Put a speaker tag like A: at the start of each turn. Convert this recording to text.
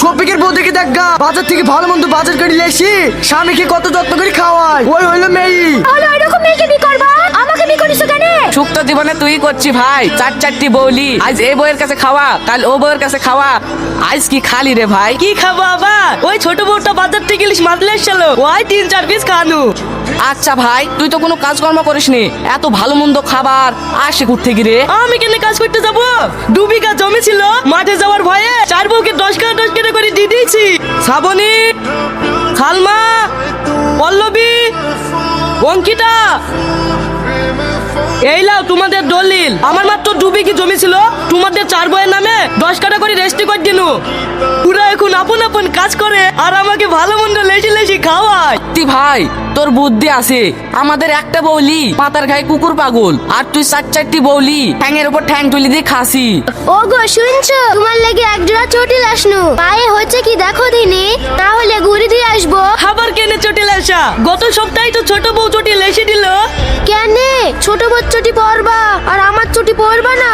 A: শফিকের বউ দেখে দেখ গা, বাজার থেকে ভালো মন্দ বাজার করে লেসি স্বামীকে কত যত্ন করে খাওয়ায়। ওই হইলো মেয়ে।
B: তাহলে ওইরকম মেয়েকে বি করবা, আমাকে বি করিস কেন?
C: সুক্ত জীবনে তুই করছি ভাই, চারটি বৌলি, আজ এই বউয়ের কাছে খাওয়া, কাল ও বউয়ের কাছে খাওয়া, আজ কি খালি রে ভাই?
D: কি খাবো আবার? ওই ছোট বউটা বাজার থেকে ইলিশ মাছ লেসছিল, ওই 3-4 পিস খানু।
C: আচ্ছা ভাই, তুই তো কোনো কাজকর্ম করিসনি, এত ভালো মন্দ খাবার আসে কোত্থেকে গিরে?
D: আমি কেন কাজ করতে যাব? 2 বিঘা জমি ছিল, মাঠে যাওয়ার ভয়ে 4 বউকে 10 কাটা করে দিয়ে দিয়েছি। শ্রাবণী, খালমা, পল্লবী, অঙ্কিতা, এই লাও তোমাদের দলিল। আমার মাত্র 2 বিঘি জমি ছিল, তোমাদের 4 বউয়ের নামে 10 কাটা করে রেস্টি করে দিনু। পুরা এখন আপন আপন কাজ করে আর আমাকে ভালো মন্দ লেসি খাওয়ায়।
C: তুই ভাই, তোর বুদ্ধি আছে। আমাদের একটা বৌলি পাতার গায়ে কুকুর পাগল, আর তুই 4-4টি বৌলি ঠ্যাংয়ের উপর ঠ্যাং তুলি দিয়ে খাসি।
B: ও গো শুনছো, তোমার লেগে একজোড়া চটি লাসনু, পায়ে হচ্ছে কি দেখো দিনে, তাহলে ঘুরে দিয়ে আসবো।
D: খাবার কেনে চটি লেসা? গত সপ্তাহে তো ছোট বউ চটি লেসে দিল।
B: কেন ছোট বউ চটি পরবা আর আমার চটি পরবা না?